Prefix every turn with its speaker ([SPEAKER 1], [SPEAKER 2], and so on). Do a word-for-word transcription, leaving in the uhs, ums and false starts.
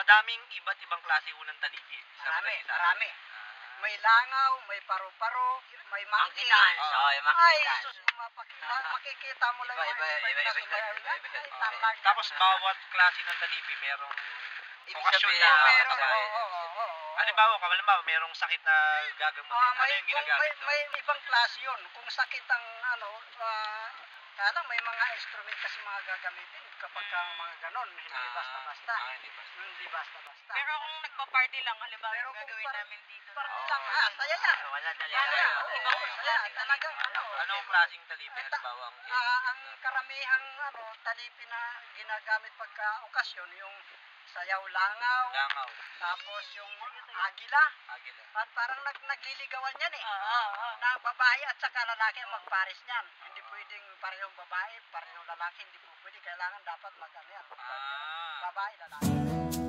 [SPEAKER 1] Madaming iba't ibang klase ho ng talipin.
[SPEAKER 2] Marami, marami. May langaw, may paru-paro, may monkey.
[SPEAKER 3] Mangkitan. Oo, yung
[SPEAKER 2] Ay,
[SPEAKER 3] mangkitan.
[SPEAKER 2] sus, mapaki- ma- makikita mo lang
[SPEAKER 3] Iba,
[SPEAKER 2] yung
[SPEAKER 3] iba,
[SPEAKER 2] mga
[SPEAKER 3] iba,
[SPEAKER 2] na
[SPEAKER 3] iba,
[SPEAKER 2] sumayaw
[SPEAKER 3] iba,
[SPEAKER 2] yan.
[SPEAKER 3] iba, iba.
[SPEAKER 2] Ay,
[SPEAKER 3] Oo.
[SPEAKER 2] talaga.
[SPEAKER 1] Tapos bawat klase ng talipi merong
[SPEAKER 3] Ibig
[SPEAKER 1] okasyon
[SPEAKER 3] sabihin,
[SPEAKER 1] na
[SPEAKER 3] ah,
[SPEAKER 2] Meron,
[SPEAKER 1] kakain.
[SPEAKER 2] oo, oo, oo, oo.
[SPEAKER 1] Halimbawa, halimbawa, merong sakit na gagamot.
[SPEAKER 2] Ah,
[SPEAKER 1] ano
[SPEAKER 2] may,
[SPEAKER 1] yung
[SPEAKER 2] kung
[SPEAKER 1] ginagamit
[SPEAKER 2] may,
[SPEAKER 1] doon?
[SPEAKER 2] may ibang klase yun. Kung sakit ang ano, ah, kaya lang may mga instrument kasi mga gagamitin kapag
[SPEAKER 1] Hmm.
[SPEAKER 2] ang mga ganon, hindi
[SPEAKER 1] Ah,
[SPEAKER 2] basta-basta.
[SPEAKER 1] ah, hindi basta.
[SPEAKER 2] Hindi basta-basta.
[SPEAKER 4] Pero kung nagpa-party lang, halimbawa
[SPEAKER 2] Pero
[SPEAKER 4] yung
[SPEAKER 2] kung
[SPEAKER 4] gagawin
[SPEAKER 2] par-
[SPEAKER 4] namin dito.
[SPEAKER 2] party
[SPEAKER 4] na-
[SPEAKER 2] lang, ah, saya yan.
[SPEAKER 3] Wala dali.
[SPEAKER 2] Saya,
[SPEAKER 3] Wala.
[SPEAKER 2] oo,
[SPEAKER 4] Ibang
[SPEAKER 2] oo, saya.
[SPEAKER 4] klaseng
[SPEAKER 2] Talagang ano.
[SPEAKER 1] Anong klaseng talipi?
[SPEAKER 2] Ito,
[SPEAKER 1] Halimbawa, ang
[SPEAKER 2] Ah, ang karamihang ano, talipi na ginagamit pagka okasyon, yung sayaw langaw,
[SPEAKER 1] langaw,
[SPEAKER 2] tapos yung agila.
[SPEAKER 1] agila.
[SPEAKER 2] Par- parang nag nagliligawan yan eh.
[SPEAKER 4] Oo, oo, oo.
[SPEAKER 2] Na babae at saka lalaki ang magpares niyan. Hindi pwedeng parehong babae, parehong lalaki, hindi po pwede. Kailangan dapat mag ano yan,
[SPEAKER 1] Ah.
[SPEAKER 2] babae, lalaki.